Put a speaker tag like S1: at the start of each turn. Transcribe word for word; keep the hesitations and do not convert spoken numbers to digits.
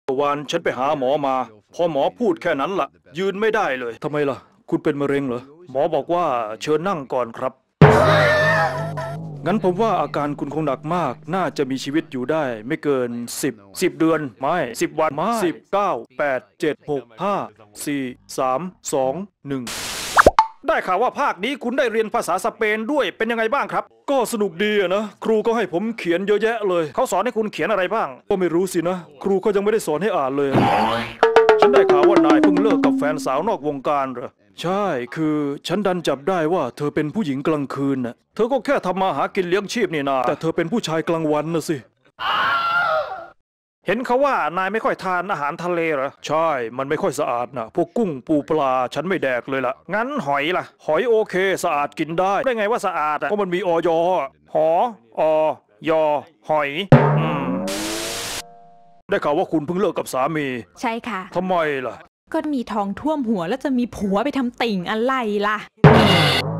S1: วันฉันไปหาหมอมาพอหมอพูดแค่นั้นล่ะยืนไม่ได้เลยทำไมล่ะคุณเป็นมะเร็งเหรอหมอบอกว่าเชิญนั่งก่อนครับงั้นผมว่าอาการคุณคงหนักมากน่าจะมีชีวิตอยู่ได้ไม่เกินสิบ สิบเดือนไม่สิบวันไม่สิบ เก้า แปด เจ็ด หก ห้า สี่ สาม สอง หนึ่งได้ข่าวว่าภาคนี้คุณได้เรียนภาษาสเปนด้วยเป็นยังไงบ้างครับก็สนุกดีนะครูก็ให้ผมเขียนเยอะแยะเลยเขาสอนให้คุณเขียนอะไรบ้างก็ไม่รู้สินะครูก็ยังไม่ได้สอนให้อ่านเลยฉันได้ข่าวว่านายเพิ่งเลิกกับแฟนสาวนอกวงการเหรอใช่คือฉันดันจับได้ว่าเธอเป็นผู้หญิงกลางคืนน่ะเธอก็แค่ทำมาหากินเลี้ยงชีพนี่นาแต่เธอเป็นผู้ชายกลางวันนะสิเห็นเขาว่านายไม่ค่อยทานอาหารทะเลเหรอใช่มันไม่ค่อยสะอาดนะพวกกุ้งปูปลาฉันไม่แดกเลยล่ะงั้นหอยล่ะหอยโอเคสะอาดกินได้ได้ไงว่าสะอาดอ่ะเพราะมันมีออยหออยหอยอืมได้ข่าวว่าคุณเพิ่งเลิกกับสามี
S2: ใช่ค่ะ
S1: ทำไมล่ะ
S2: ก็มีทองท่วมหัวแล้วจะมีผัวไปทำติ่งอะไรล่ะ